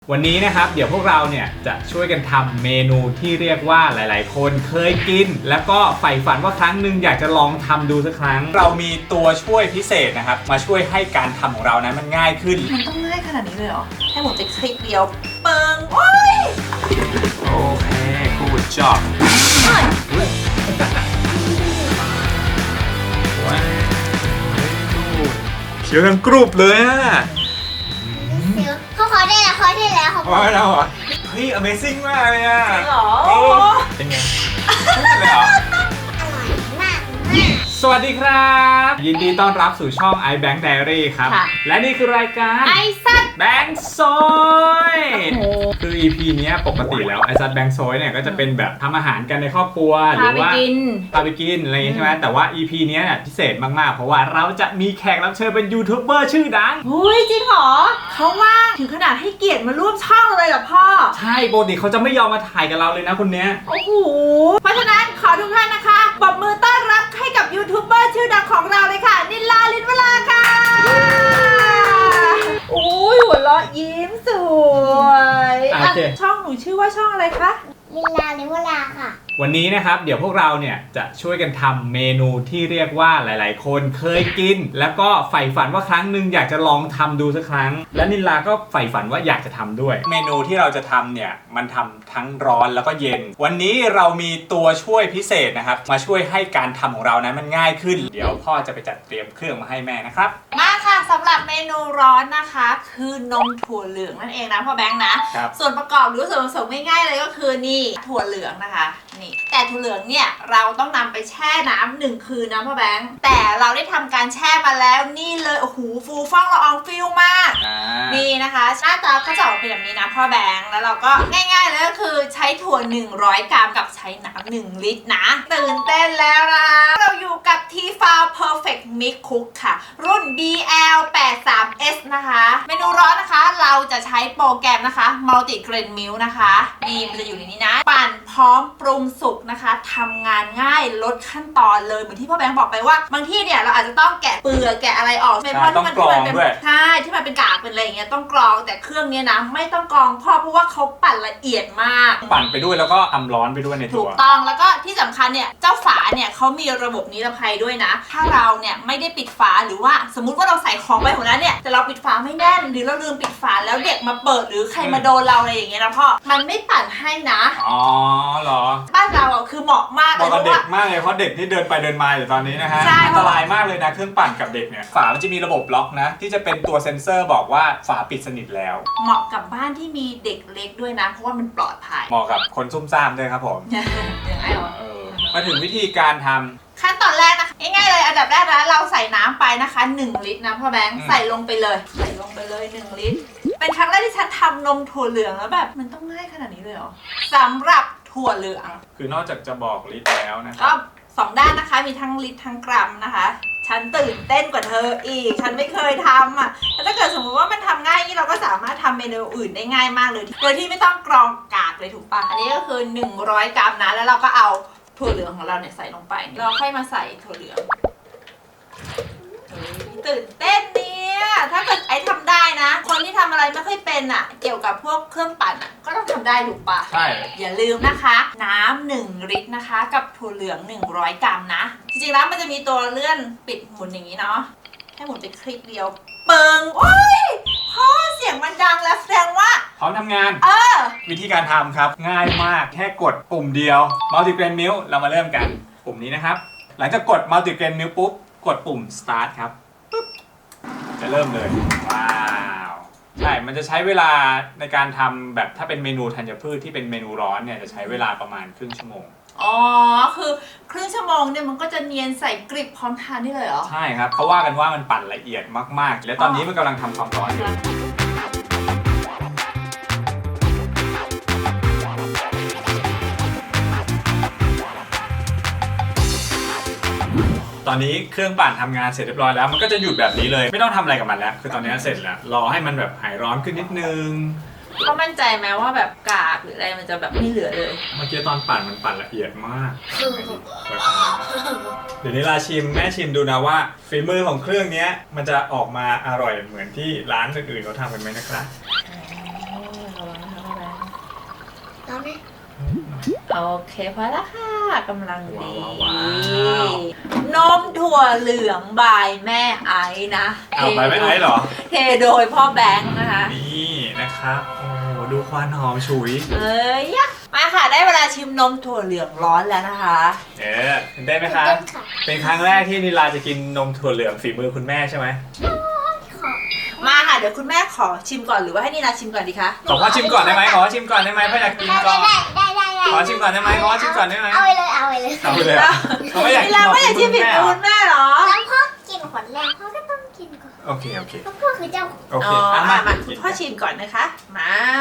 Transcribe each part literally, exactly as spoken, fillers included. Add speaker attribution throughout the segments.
Speaker 1: วันนี้นะครับเดี๋ยวพวกเราเนี่ยจะช่วยกันทำเมนูที่เรียกว่าหลายๆคนเคยกินแล้วก็ใฝ่ฝันว่าครั้งหนึ่งอยากจะลองทำดูสักครั้งเรามีตัวช่วยพิเศษนะครับมาช่วยให้การทำของเรานั้นมันง่ายขึ้น
Speaker 2: มันต้องง่ายขนาดนี้เลยเหรอแค่หมดไปคลิปเดียวเปิงโอ้ย
Speaker 1: โอเค good job เขียวทั้งกรุบเลยอะ
Speaker 3: เขาขอได้แล้วเขาได้แล้วเขา
Speaker 1: ว่าเราอ่ะเฮ้ย Amazing มากเลยอ่ะ
Speaker 2: จริงเหรอ
Speaker 1: เป็นไงเลยเหรอ
Speaker 3: อร่อยมาก
Speaker 1: สวัสดีครับยินดีต้อนรับสู่ช่อง iBank Diary ครับและนี่คือรายการ
Speaker 2: ไอซัด
Speaker 1: แบงค์ซอยคือ อี พี เนี้ยปกติแล้วไอซัดแบงค์ซอยเนี่ยก็จะเป็นแบบทำอาหารกันในครอบครัวหรือว่าพาไปกินอะไรอย่างงี้ใช่ไหมแต่ว่า อี พี เนี้ยพิเศษมากๆเพราะว่าเราจะมีแขกรับเชิญเป็นยูทูบเบอร์ชื่อดัง
Speaker 2: อุ้ยจริงเหรอเขาว่าถึงขนาดให้เกียรติมาร่วมช่องเลยเหรอพ่อ
Speaker 1: ใช่ปกติเขาจะไม่ยอมมาถ่ายกับเราเลยนะคนเนี้ย
Speaker 2: โอ้โหเพราะฉะนั้นขอทุกท่านนะคะปรบมือต้อนรับให้กับยูทูบเบอร์ชื่อดังของเราเลยค่ะนิลลาลินวราค่ะโอ้ยหัวเราะยิ้มสวยช่องหนูชื่อว่าช่องอะไรคะ
Speaker 3: ลิลลาลินวราค่ะ
Speaker 1: วันนี้นะครับเดี๋ยวพวกเราเนี่ยจะช่วยกันทำเมนูที่เรียกว่าหลายๆคนเคยกินแล้วก็ใฝ่ฝันว่าครั้งหนึ่งอยากจะลองทำดูสักครั้งและนิลลาก็ใฝ่ฝันว่าอยากจะทำด้วยเมนูที่เราจะทำเนี่ยมันทำทั้งร้อนแล้วก็เย็นวันนี้เรามีตัวช่วยพิเศษนะครับมาช่วยให้การทำของเรานั้นมันง่ายขึ้นเดี๋ยวพ่อจะไปจัดเตรียมเครื่องมาให้แม่นะครับ
Speaker 2: มาค่ะสำหรับเมนูร้อนนะคะคือนมถั่วเหลืองนั่นเองนะพ่อแบงค์นะส่วนประกอบหรือส่วนผสมง่ายๆเลยก็คือนี่ถั่วเหลืองนะคะนี่แต่ถั่วเหลืองเนี่ยเราต้องนำไปแช่น้ำหนึ่งคืนนะพ่อแบงค์แต่เราได้ทำการแช่มาแล้วนี่เลยโอ้โหฟูฟ่องละอองฟิลมากนี่นะคะหน้าตาก็จะออกเป็นแบบนี้นะพ่อแบงค์แล้วเราก็ง่ายๆเลยก็คือใช้ถั่วหนึ่งร้อยกรัมกับใช้น้ำหนึ่งลิตรนะตื่นเต้นแล้วนะเราอยู่กับ ที ฟาว Perfect Mix Cook ค่ะรุ่น บี แอล แปดสิบสาม เอส นะคะเมนูร้อนนะคะเราจะใช้โปรแกรมนะคะ Multi Grain Milk นะคะนี่มันจะอยู่ในนี้นะปั่นพร้อมปรุงสุกนะคะทำงานง่ายลดขั้นตอนเลยเหมือนที่พ่อแบงค์บอกไปว่าบางที่เนี่ยเราอาจจะต้องแกะเปลือกแกะอะไรออก
Speaker 1: ไม่เพราะที่มันเป็น
Speaker 2: ใช่ที่มันเป็นกากเป็นอะไรอย่างเงี้ยต้องกรองแต่เครื่องนี้นะไม่ต้องกรองเพราะเพราะว่าเขาปั่นละเอียดมาก
Speaker 1: ปั่นไปด้วยแล้วก็ทำร้อนไปด้วยในตัว
Speaker 2: ถูกต้องแล้วก็ที่สำคัญเนี่ยเจ้าฝาเนี่ยเขามีระบบนิรภัยด้วยนะถ้าเราเนี่ยไม่ได้ปิดฝาหรือว่าสมมุติว่าเราใส่ของไปหัวนั้นเนี่ยแต่เราปิดฝาไม่แน่นหรือเราลืมปิดฝาแล้วเด็กมาเปิดหรือใครมาโดนเราอะไรอย่างเงี้ยนะพ่อมันไม่ปั่นให้นะ
Speaker 1: อ๋อเหรอ
Speaker 2: บ้านเราอ่ะคือเหมาะมาก
Speaker 1: เลยเพราะว่าเด็กมากเลยเพราะเด็กที่เดินไปเดินมาอยู่ตอนนี้นะฮะอันตรายมากเลยนะเครื่องปั่นกับเด็กเนี่ยฝามันจะมีระบบล็อกนะที่จะเป็นตัวเซ็นเซอร์บอกว่าฝาปิดสนิทแล้ว
Speaker 2: เหมาะกับบ้านที่มีเด็กเล็กด้วยนะเพราะว่ามันปลอดภัย
Speaker 1: เหมาะกับคนซุ่มซ่ามด้วยครับผม
Speaker 2: ยังไงวะ
Speaker 1: มาถึงวิธีการทำ
Speaker 2: ขั้นตอนแรกนะคะง่ายๆเลยอันดับแรกนะเราใส่น้ำไปนะคะหนึ่งลิตรนะพ่อแบงค์ใส่ลงไปเลยใส่ลงไปเลยหนึ่งลิตรเป็นครั้งแรกที่ฉันทำนมถั่วเหลืองแล้วแบบมันต้องง่ายขนาดนี้เลยเหรอสำหรับถั่วเหลือง
Speaker 1: คือนอกจากจะบอกลิตรแล้วนะ
Speaker 2: ก็สองด้านนะคะมีทั้งลิตรทั้งกรัมนะคะฉันตื่นเต้นกว่าเธออีกฉันไม่เคยทำอ่ะแต่ถ้าเกิดสมมติว่ามันทำง่ายนี่เราก็สามารถทำเมนูอื่นได้ง่ายมากเลยโดยที่ไม่ต้องกรองกากเลยถูกปะอันนี้ก็คือหนึ่งร้อยกรัมนะแล้วเราก็เอาถั่วเหลืองของเราเนี่ยใส่ลงไปเราค่อยมาใส่ถั่วเหลืองตื่นเต้นเนี่ยถ้าเกิดไอ้ทำได้นะคนที่ทำอะไรไม่ค่อยเป็นอ่ะเกี่ยวกับพวกเครื่องปั่นอ่ะก็ต้องทำได้ถูกปะ
Speaker 1: ใช่
Speaker 2: อย่าลืมนะคะน้ำหนึ่งลิตรนะคะกับถั่วเหลืองหนึ่งร้อยกรัมนะจริงๆแล้วมันจะมีตัวเลื่อนปิดหมุนอย่างนี้เนาะให้หมุนไปคลิกเดียวเปิงโอ้ยพ่อเสียงมันดังแล้วแสดงว่า
Speaker 1: พร้อมทำงาน
Speaker 2: เออ
Speaker 1: วิธีการทำครับง่ายมากแค่กดปุ่มเดียว Multi Grain Milk เรามาเริ่มกันปุ่มนี้นะครับหลังจากกด Multi Grain Milk ปุ๊บกดปุ่ม Start ครับปุ๊บจะเริ่มเลยว้าวใช่มันจะใช้เวลาในการทำแบบถ้าเป็นเมนูธัญพืชที่เป็นเมนูร้อนเนี่ยจะใช้เวลาประมาณครึ่งชั่วโมง
Speaker 2: อ๋อคือครึ่งชั่วโมงเนี่ยมันก็จะเนียนใส่กริบพร้อมทานได้เลยเหรอ
Speaker 1: ใช่ครับเขาว่ากันว่ามันปั่นละเอียดมากๆและตอนนี้มันกำลังทำความร้อนอยู่ตอนนี้เครื่องปั่นทำงานเสร็จเรียบร้อยแล้วมันก็จะหยุดแบบนี้เลยไม่ต้องทำอะไรกับมันแล้วคือตอนนี้เสร็จแล้วรอให้มันแบบหายร้อนขึ้นนิดนึง
Speaker 2: เขามั่นใจไหมว่าแบบกากหรืออะไรมันจะแบบไม่เหลือเลย
Speaker 1: เมื่อกี้ตอนปั่นมันปั่นละเอียดมากเดี๋ยวนี้ลาชิมแม่ชิมดูนะว่าฝีมือของเครื่องนี้มันจะออกมาอร่อยเหมือนที่ร้านอื่นๆเขาทำกันไหมนะครับ
Speaker 2: ร
Speaker 3: ไหม
Speaker 2: โอเคพอแล้วค่ะกำลังดี
Speaker 1: ว้าว
Speaker 2: นมถั่วเหลืองบายแม่ไอ้นะ
Speaker 1: เอาไปไม่ไอ้เหรอ
Speaker 2: เทโดยพ่อแบงค์นะคะ
Speaker 1: นี่นะครับโอ้ดูควันหอมฉุย
Speaker 2: เอ้ยยะมาค่ะได้เวลาชิมนมถั่วเหลืองร้อนแล้วนะคะ
Speaker 1: เออได้ไหมคะ
Speaker 3: เต้นค่ะ
Speaker 1: เป็นครั้งแรกที่นิลาจะกินนมถั่วเหลืองฝีมือคุณแม่ใช่ไหม
Speaker 3: ขอ
Speaker 2: มาค่ะเดี๋ยวคุณแม่ขอชิมก่อนหรือว่าให้นีนาชิมก่อนดีคะ
Speaker 1: ขอพ่อชิมก่อนได้ไหมขอชิมก่อนได้ไหมพ่ออยากกิน
Speaker 3: ได้
Speaker 1: ก่อน
Speaker 3: ได้ได้ได้ได้
Speaker 1: ขอชิมก่อนได้ไหมขอชิมก่อนได้ไหม
Speaker 3: เอาไปเลยเอาไปเลย
Speaker 1: เอาไปเลยเหรอเขาไม่อยาก
Speaker 2: นี
Speaker 1: กิน
Speaker 2: นา
Speaker 1: ของ
Speaker 2: ไม่อยากชิม
Speaker 1: คุ
Speaker 2: ผิ
Speaker 1: ณ
Speaker 2: ด
Speaker 1: แม่
Speaker 2: มือ
Speaker 1: เหรอ
Speaker 2: คุณแม่เหรอ
Speaker 3: แล้วพ่อกินขวดแรกพ่อก็ต้องกินก่อน
Speaker 1: โอเคโอเค
Speaker 3: เพราะพ่อคือเจ้า
Speaker 1: โอเค
Speaker 2: อ๋อ
Speaker 1: อ่ะ
Speaker 2: มา
Speaker 1: มา
Speaker 2: มาคุณพ่อชิมก่อนนะคะ มา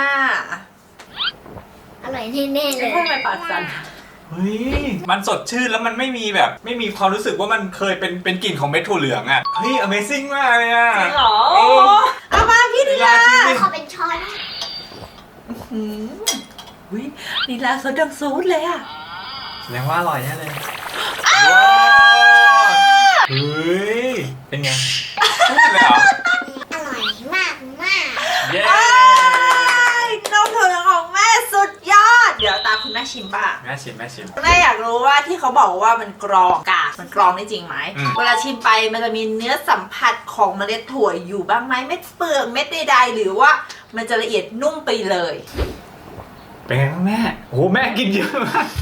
Speaker 3: อร่อยแน่ๆเลย
Speaker 2: พ่อทำไมปากสั่น
Speaker 1: เฮ้ยมันสดชื่นแล้วมันไม่มีแบบ ไม่มีความรู้สึกว่ามันเคยเป็นเป็นกลิ่นของเม็ดถั่วเหลืองอ่ะเฮ้ย Amazing มากเลยอ่ะ
Speaker 2: จริงเหรอ
Speaker 1: เออ
Speaker 2: เอามาพี่นีลา
Speaker 1: ชิมดิ
Speaker 3: ขอเป็นช้อน
Speaker 2: อืมวินีลาซดดังซูดเลยอะ
Speaker 1: แสดงว่าอร่อยแน่เลยว้าวเฮ้ยเป็นไงพูดเลยเหรอ
Speaker 3: อร่อยมากมาก
Speaker 1: เย้
Speaker 2: ไอ้นมถั่วเหลืองของแม่สุดยอด เดี๋ยวตามคุณแม่ชิมป่ะ
Speaker 1: แม่ชิมแม่ชิม
Speaker 2: แม่อยากรู้ว่าที่เขาบอกว่ามันกรองกากมันกรองได้จริงไหม
Speaker 1: อืม
Speaker 2: เวลาชิมไปมันจะมีเนื้อสัมผัสของเมล็ดถั่วอยู่บ้างไหมเม็ดเปลือกเม็ดใดๆหรือว่ามันจะละเอียดนุ่มไปเลย
Speaker 1: เป็นไงบ้างแม่โอ้โหแม่กินเยอะมาก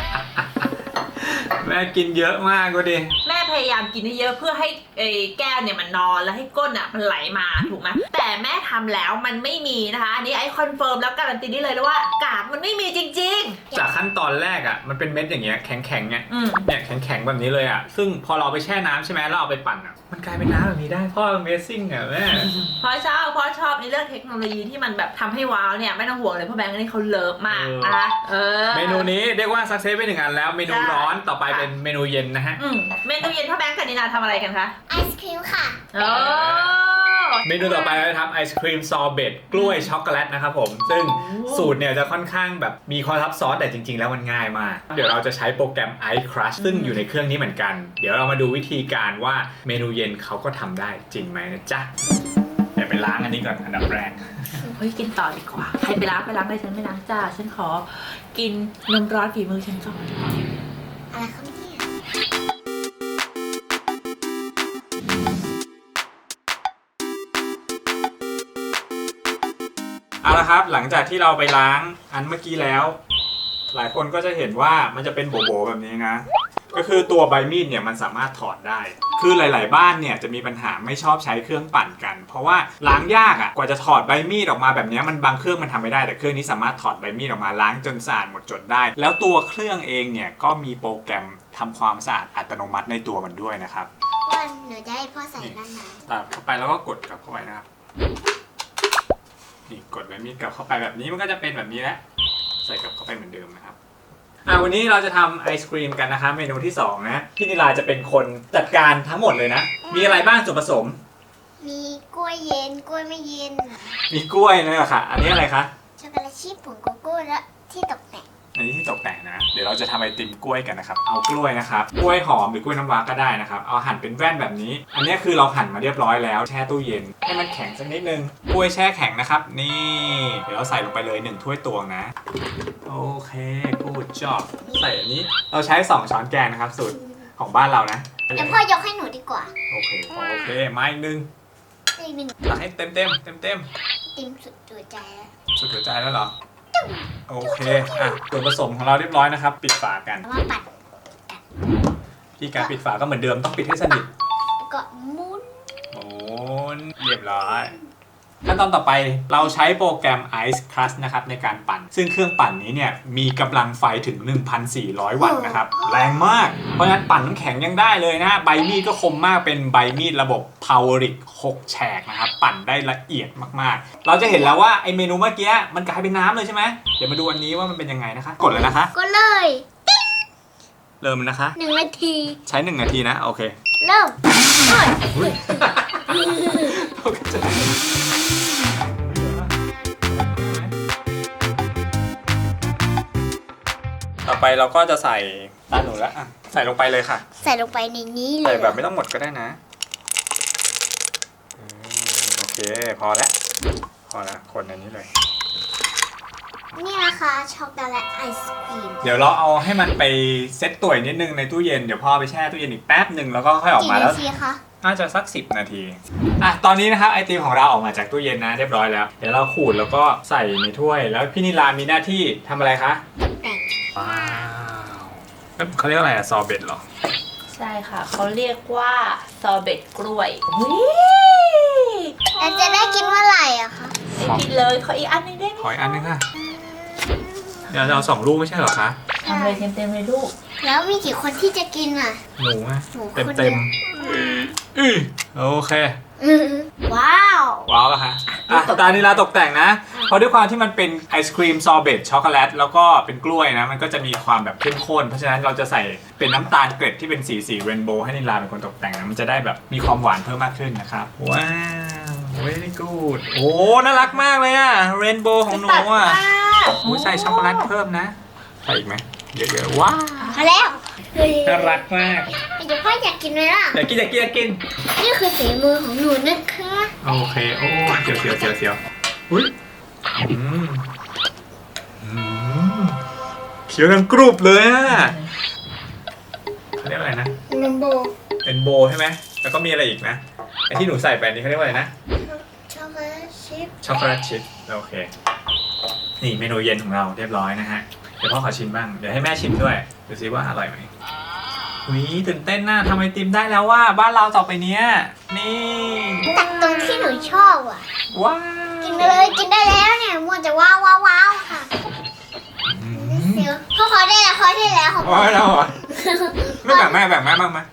Speaker 1: แม่กินเยอะมากก็ดิ
Speaker 2: แม่พยายามกินให้เยอะเพื่อให้ไอ้แก้วเนี่ยมันนอนแล้วให้ก้นอ่ะมันไหลมาถูกไหมแต่แม่ทำแล้วมันไม่มีนะคะอันนี้ไอ้คอนเฟิร์มแล้วการันตีได้เลยว่ากากมันไม่มีจริง
Speaker 1: จากขั้นตอนแรกอ่ะมันเป็นเม็ดอย่างเงี้ยแข็งแข็งๆเนี่ย
Speaker 2: ๆ อืม
Speaker 1: เนี่ยแข็งแข็งๆแบบนี้เลยอ่ะซึ่งพอเราเอาไปแช่น้ำใช่ไหมแล้วเอาไปปั่นอ่ะมันกลายเป็นน้ำแบบนี้ได้พ่อ Amazing อ่ะแม่
Speaker 2: เพราะชอบเพราะชอบในเรื่องเทคโนโลยีที่มันแบบทำให้ว้าวเนี่ยไม่ต้องห่วงเลยเพราะแบงค์นี่เขาเลิฟมากนะคะเออ
Speaker 1: เมนูนี้เรียกว่าซักเซสไปหนึ่งอันแล้วเมนูร้อนต่อไปเป็นเมนูเย็นนะฮะ
Speaker 2: อืมเมนูเย็นพ่อแบงค์กับนินาทำอะไรกันคะ
Speaker 3: ไอศครีมค่ะ
Speaker 2: โอ้
Speaker 1: เมนูต่อไปเราจะทำไอศครีมซอร์เบตกล้วยช็อกโกแลตนะครับผมซึ่งสูตรเนี่ยจะค่อนข้างแบบมีความซับซ้อนแต่จริงๆ แล้วมันง่ายมาก เดี๋ยวเราจะใช้โปรแกรม Ice Crush ซึ่งอยู่ในเครื่องนี้เหมือนกัน เดี๋ยวเรามาดูวิธีการว่าเมนูเย็นเขาก็ทำได้จริงไหมนะจ๊ะเดี๋ยวไปล้างอันนี้ก่อนอันดับแรก
Speaker 2: เฮ้ยกินต่อดีกว่าใครไปล้างไปล้างเลยฉันไม่ล้างจ้าฉันขอกินนมร้อนฝีมือฉันก่อน
Speaker 3: อะไรครับเนี่ย
Speaker 1: เอาละครับหลังจากที่เราไปล้างอันเมื่อกี้แล้ว หลายคนก็จะเห็นว่ามันจะเป็นโบ๋ๆแบบนี้นะก็คือตัวใบมีดเนี่ยมันสามารถถอดได้ คือหลาย ๆ บ้านเนี่ยจะมีปัญหาไม่ชอบใช้เครื่องปั่นกัน เพราะว่าล้างยากอ่ะกว่าจะถอดใบมีดออกมาแบบนี้มันบางเครื่องมันทำไม่ได้แต่เครื่องนี้สามารถถอดใบมีดออกมาล้างจนสะอาดหมดจดได้ แล้วตัวเครื่องเองเนี่ยก็มีโปรแกรมทำความสะอาดอัตโนมัติในตัวมันด้วยนะครับ
Speaker 3: ว่าหนูจะให้พ่อใส่ด้านใน
Speaker 1: ตัดเข้าไปแล้วก็กดกลับเข้าไปนะครับนี่กดใบมีดกลับเข้าไปแบบนี้มันก็จะเป็นแบบนี้แหละใส่กลับเข้าไปเหมือนเดิมนะครับอ่ะวันนี้เราจะทำไอศครีมกันนะคะเมนูที่สองนะพี่นิลาจะเป็นคนจัดการทั้งหมดเลยนะมีอะไรบ้างส่วนผสม
Speaker 3: มีกล้วยเย็นกล้วยไม่เย็น
Speaker 1: มีกล้วยนี่แหละค่ะ อันนี้อะไรคะ
Speaker 3: ช็อกโกแลตชีสผงโกโก้และที่ตกแต่ง
Speaker 1: อันนี้ที่ตกแต่งนะเดี๋ยวเราจะทำไอติมกล้วยกันนะครับเอากล้วยนะครับกล้วยหอมหรือกล้วยน้ำว้าก็ได้นะครับเอาหั่นเป็นแว่นแบบนี้ อันนี้คือเราหั่นมาเรียบร้อยแล้วแช่ตู้เย็นให้มันแข็งสักนิดนึงกล้วยแช่แข็งนะครับนี่เดี๋ยวเราใส่ลงไปเลยหนึ่งถ้วยตวงนะโอเคกูดจอบใส่อันนี้เราใช้สองช้อนแกงนะครับสูตรของบ้านเรานะ
Speaker 3: เดี๋ยวพ่อยกให้หนูดีกว่า
Speaker 1: โอเคโอเคมาอีกหนึ่ง
Speaker 3: อีกหนึ่ง
Speaker 1: ตักให้เต็มเต็มเต็มเต็ม
Speaker 3: ติมสุดตัวใจแล้ว
Speaker 1: ๆสุดหัวใจแล้วเหรอโอเคอ่ะส่วนผสมของเราเรียบร้อยนะครับปิดฝากัน
Speaker 3: เอามาปัด
Speaker 1: ที่การปิดฝาก็เหมือนเดิมต้องปิดให้สนิท
Speaker 3: แล้วก็หมุน
Speaker 1: โอ้เรียบร้อยขั้นตอนต่อไปเราใช้โปรแกรม Ice Crush นะครับในการปั่น ซึ่งเครื่องปั่นนี้เนี่ยมีกำลังไฟถึง หนึ่งพันสี่ร้อย วัตต์นะครับแรงมาก เพราะฉะนั้นปั่นน้ำแข็งยังได้เลยนะใบมีดก็คมมากเป็นใบมีดระบบ Poweric หกแฉกนะครับปั่นได้ละเอียดมากๆ เราจะเห็นแล้วว่าไอเมนูเมื่อกี้มันกลายเป็นน้ำเลยใช่ไหมเดี๋ยวมาดูอันนี้ว่ามันเป็นยังไงนะคะกดเลยนะคะ
Speaker 3: ก็เลย
Speaker 1: เริ่มนะคะ
Speaker 3: หนึ่งนาที
Speaker 1: ใช้หนึ่งนาทีนะโอเค
Speaker 3: เริ่มเฮ้ย
Speaker 1: อุ๊ยตกใจ ต่อไปเราก็จะใส่ตาหนูแล้วอ่ะใส่ลงไปเลยค่ะ
Speaker 3: ใส่ลงไปในนี้เล
Speaker 1: ใส่
Speaker 3: ย
Speaker 1: แบบไม่ต้องหมดก็ได้นะอืมโอเคพอแล้วพอแล้วคนอันนี้เลย
Speaker 3: นี่นะนะคะช็อกโกแลตไอศครีม
Speaker 1: เดี๋ยวเราเอาให้มันไปเซ็ตตัวอีกนิดนึงในตู้เย็นเดี๋ยวพ่อไปแช่ตู้เย็นอีกแป๊บหนึ่งแล้วก็ค่อยออก
Speaker 3: กี่
Speaker 1: มาแล้ว
Speaker 3: นาทีคะ
Speaker 1: น่าจะสักสิบนาทีอ่ะตอนนี้นะครับไอติมของเราออกมาจากตู้เย็นนะเรียบร้อยแล้วเดี๋ยวเราขูดแล้วก็ใส่ในถ้วยแล้วพี่นิลามีหน้าที่ทำอะไรคะ
Speaker 3: แต่ง
Speaker 1: ว้าวเขาเรียกอะไรอะซอเบตเหรอ
Speaker 2: ใช่ค่ะเขาเรียกว่าซอเบตกล้วยวิ
Speaker 3: แล้วจะได้กินเมื่อไหร่อะคะ
Speaker 2: ไม่กินเลยขออีกอันหนึงได้ไหม
Speaker 1: ขออีกอันนึงค่ะเดี๋ยวเราเอาสองลูกไม่ใช่เหรอคะ
Speaker 2: ทำเลยเต็มๆเลยลูก
Speaker 3: แล้วมีกี่คนที่จะกินอ่ะ
Speaker 1: หนูอะ
Speaker 3: หนูคน
Speaker 1: เต็ม
Speaker 3: เดียว
Speaker 1: เต็มอือโอเค
Speaker 3: อื้อว้าว
Speaker 1: ว้าวแล้วฮะอ่ะตานิลาตกแต่งนะ เพราะด้วยความที่มันเป็นไอศครีมซอเบตช็อกโกแลตแล้วก็เป็นกล้วยนะ มันก็จะมีความแบบเข้มข้น เพราะฉะนั้นเราจะใส่เป็นน้ำตาลเกล็ดที่เป็นสีสีเรนโบว์ให้นิลาเป็นคนตกแต่งนะ มันจะได้แบบมีความหวานเพิ่มมากขึ้นนะครับ ว้าว very good โอ้น่ารักมากเลยอะเรนโบว์ของหนูอะ
Speaker 2: โอ้
Speaker 1: โอ้ใส่ช็อกโกแลตเพิ่มนะ ใส่อีกไหมเยอะๆว้าว
Speaker 3: มาแล้วเฮ้ย
Speaker 1: น่ารักมาก
Speaker 3: เดี๋ยวพ่ออยากกินไหมล่ะ
Speaker 1: อยากกินอยากกินอยากกิน
Speaker 3: นี่คือฝีมือของหนูนะคะ
Speaker 1: โอเค โอ้เสียวเสียวเสียวเสียวอุ้ยอืมอืมเขียวกันกรุบเลยอ่ะเขาเรียกอะไรนะ
Speaker 3: นัมโบ
Speaker 1: เป็นโบใช่ไหม แล้วก็มีอะไรอีกนะ ไอที่หนูใส่ไปนี่เขาเรียกว่าอะไรนะ
Speaker 3: ช็อกโกแลตชิพ
Speaker 1: ช็อกโกแลตชิพโอเค นี่เมนูเย็นของเราเรียบร้อยนะฮะ เดี๋ยวพ่อขอชิมบ้าง เดี๋ยวให้แม่ชิมด้วย ดูซิว่าอร่อยไหมอุ้ยตื่นเต้นน่ะทำไอติมได้แล้วว่าบ้านเราต่อไปเนี้ย นี่
Speaker 3: ตักตรงที่หนูชอบอ่ะ
Speaker 1: ว้าว
Speaker 3: กินไปเลยกินได้แล้วเนี่ยมัวแต่ว้าวว้าวว้าวค่ะ
Speaker 1: อืม
Speaker 3: เดี๋ยวพ่อขอได้แล้วขอได้แล้วของ
Speaker 1: โอ้ยแล้วเหรอไม่แบ่งแม่แบ่งแม่บ้างไหม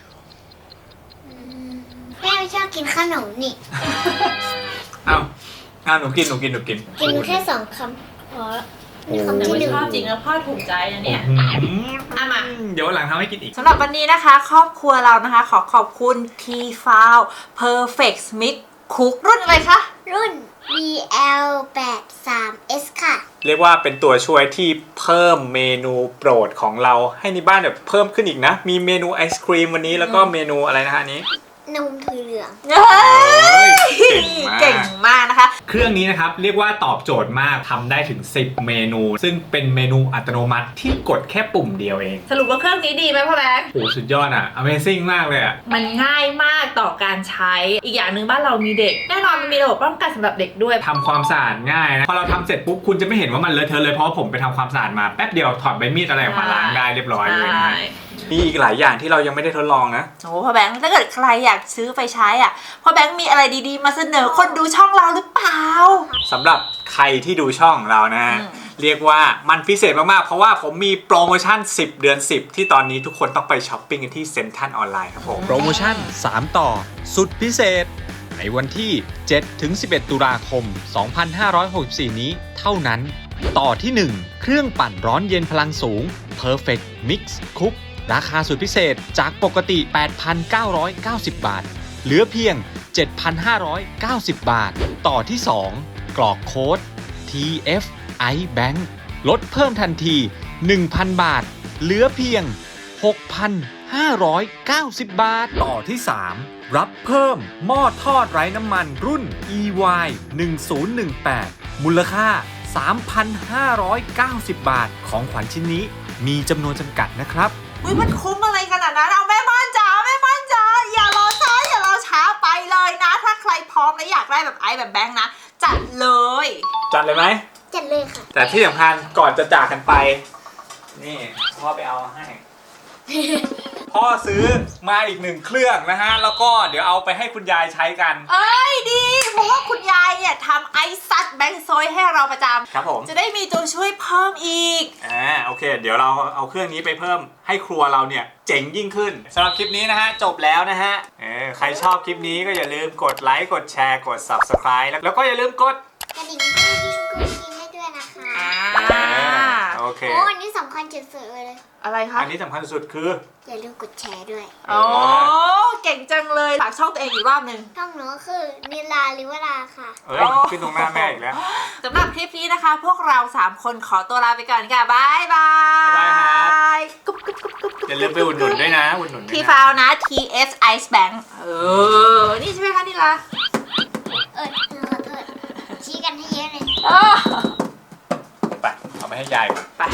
Speaker 3: แม่ไม่ชอบกินขนมนี่
Speaker 1: เอาเอาหนูกินหนูกินหนูกิน
Speaker 3: กินแค่สองคำพอนี่คำ
Speaker 2: แต่
Speaker 3: ที่
Speaker 2: ว่า
Speaker 3: หนึ่ง
Speaker 2: ชอบจริงแล้วพ่อถูกใจนะเนี่ย
Speaker 1: อืม
Speaker 2: อ่ะมา
Speaker 1: เดี๋ยววันหลังทำให้กินอีก
Speaker 2: สำหรับวันนี้นะคะ ครอบครัวเรานะคะ ขอขอบคุณ T f o u l Perfect Mix Cook รุ่นอะไรคะ
Speaker 3: รุ่น บี แอล แปดสาม เอส ค่ะ
Speaker 1: เรียกว่าเป็นตัวช่วยที่เพิ่มเมนูโปรดของเราให้ในบ้านแบบเพิ่มขึ้นอีกนะ มีเมนูไอศครีมวันนี้แล้วก็เมนูอะไรนะฮะอันนี้
Speaker 3: นมถั่วเหลือง
Speaker 2: เฮ้ย
Speaker 1: เก่
Speaker 2: เก่
Speaker 1: ง
Speaker 2: ง
Speaker 1: มาก
Speaker 2: มากนะคะ
Speaker 1: เครื่องนี้นะครับเรียกว่าตอบโจทย์มากทำได้ถึงสิบเมนู ซึ่งเป็นเมนูอัตโนมัติที่กดแค่ปุ่มเดียวเอง
Speaker 2: สรุปว่าเครื่องนี้ดีไหมพ่อแบงค์
Speaker 1: โอ้สุดยอดอ่ะ Amazing มากเลยอ่ะ
Speaker 2: มันง่ายมากต่อการใช้ อีกอย่างหนึ่งบ้านเรามีเด็ก แน่นอนมันมีระบบป้องกันสำหรับเด็กด้วย
Speaker 1: ทำความสะอาดง่ายนะ พอเราทำเสร็จปุ๊บคุณจะไม่เห็นว่ามันเลอะเทอะเลยเพราะว่าผมไปทำความสะอาดมาแป๊บเดียวถอดใบมีดอะไรออกมาล้างได้เรียบร้อยเลยนะฮะ มีอีกหลายอย่างที่เรายังไม่ได้ทดลองนะ
Speaker 2: โอ้พ่อแบงค์ถ้าเกิดใครอยากซื้อไปใช้อ่ะพ่อแบงค์มีอะไรดีๆ มาเสนอคนดูช่องเราหรือเปล่า
Speaker 1: สำหรับใครที่ดูช่องเรานะฮะ
Speaker 2: อืม
Speaker 1: เรียกว่ามันพิเศษมากๆ เพราะว่าผมมีโปรโมชั่นสิบเดือนสิบที่ตอนนี้ทุกคนต้องไปช้อปปิ้งกันที่เซ็นทรัลออนไลน์ครับผม
Speaker 4: โปรโมชั่น สาม ต่อ สุดพิเศษ ในวันที่ เจ็ดถึงสิบเอ็ด ตุลาคม สองพันห้าร้อยหกสิบสี่ นี้เท่านั้น ต่อที่ หนึ่ง เครื่องปั่นร้อนเย็นพลังสูง Perfect Mix Cook ราคาสุดพิเศษจากปกติ แปดพันเก้าร้อยเก้าสิบ บาท เหลือเพียง เจ็ดพันห้าร้อยเก้าสิบ บาท ต่อที่ สอง กรอกโค้ด ที เอฟ ไอ Bank ลดเพิ่มทันที หนึ่งพัน บาท เหลือเพียง หกพันห้าร้อยเก้าสิบ บาท ต่อที่ สาม รับเพิ่มหม้อทอดไร้น้ำมันรุ่น อี วาย หนึ่งศูนย์หนึ่งแปด มูลค่า สามพันห้าร้อยเก้าสิบ บาท ของขวัญชิ้นนี้มีจำนวนจำกัดนะครับ
Speaker 2: อุ้ยมันคุ้มอะไรขนาดนั้นเอาแม่บ้านจ๋าแม่บ้านจ๋าอย่ารอช้าอย่ารอช้าไปเลยนะ ถ้าใครพร้อมและอยากได้แบบไอซ์แบบแบงค์นะ จัดเลย
Speaker 1: จัดเลยไหม
Speaker 3: จัดเลยค่ะ
Speaker 1: แต่ที่สำคัญก่อนจะจากกันไป นี่พ่อไปเอาให้ พ่อซื้อมาอีกหนึ่งเครื่องนะฮะ แล้วก็เดี๋ยวเอาไปให้คุณยายใช้กัน
Speaker 2: เอ้ยดี เพราะว่าคุณยายเนี่ยทำไอซ์ซัดแบงค์โซยให้เราประจ
Speaker 1: ครับผม
Speaker 2: ำจะได้มีตัวช่วยเพิ่มอีก
Speaker 1: อ่าโอเค เดี๋ยวเราเอาเครื่องนี้ไปเพิ่มให้ครัวเราเนี่ยเจ๋งยิ่งขึ้นสำหรับคลิปนี้นะฮะ จบแล้วนะฮะเออใครชอบคลิปนี้ก็อย่าลืมกดไลค์กดแชร์กด ซับสไครบ์ แล้วแล้วก็อย่าลืมกด
Speaker 3: กระดิ่งกุ้งกิ้งกุ้งกิ้งให้ด้วยนะคะ
Speaker 2: อ่า
Speaker 1: โอเค
Speaker 3: โอ้อันนี้สำคัญจุดสุดเลย
Speaker 2: อะไรคะ
Speaker 1: อันนี้สำคัญสุดคือ
Speaker 3: อย่าลืมกดแชร์ด้วย
Speaker 2: โอ้เก่งจังเลยฝากช่องตัวเองอีกรอบหนึ่ง
Speaker 3: ช่องหนูก็คือนิลาลิวราค่ะ
Speaker 1: เอ้ยขึ้นตรงหน้าแม่อีกแล้ว
Speaker 2: สำหรับคลิปนี้นะคะ พวกเราสามคนขอตัวลาไปก่อนค่ะบายบาย
Speaker 1: บ๊ายบายครับ
Speaker 2: กุ๊บกุ๊บกุ๊บกุ๊บ
Speaker 1: อย่าลืมไปอุดหนุนด้วยนะอุดหนุนด้วย
Speaker 2: ที
Speaker 1: นะ
Speaker 2: ฟาวนะ ที เอส Ice Bank เออ นี่ใช่ไหมคะนี่ล่ะ
Speaker 3: เออหนูขอโทษชี้กันให้เยอะเลย
Speaker 2: อ้อ
Speaker 1: ไปให้ยายก่อน
Speaker 2: ไป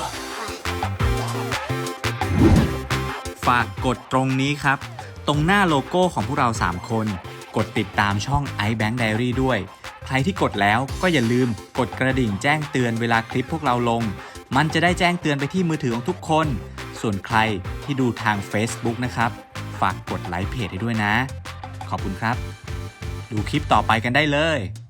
Speaker 4: ฝากกดตรงนี้ครับ ตรงหน้าโลโก้ของพวกเราสามคน กดติดตามช่อง iBank Diary ด้วย ใครที่กดแล้วก็อย่าลืมกดกระดิ่งแจ้งเตือนเวลาคลิปพวกเราลง มันจะได้แจ้งเตือนไปที่มือถือของทุกคน ส่วนใครที่ดูทาง Facebook นะครับ ฝากกดไลค์เพจให้ด้วยนะ ขอบคุณครับ ดูคลิปต่อไปกันได้เลย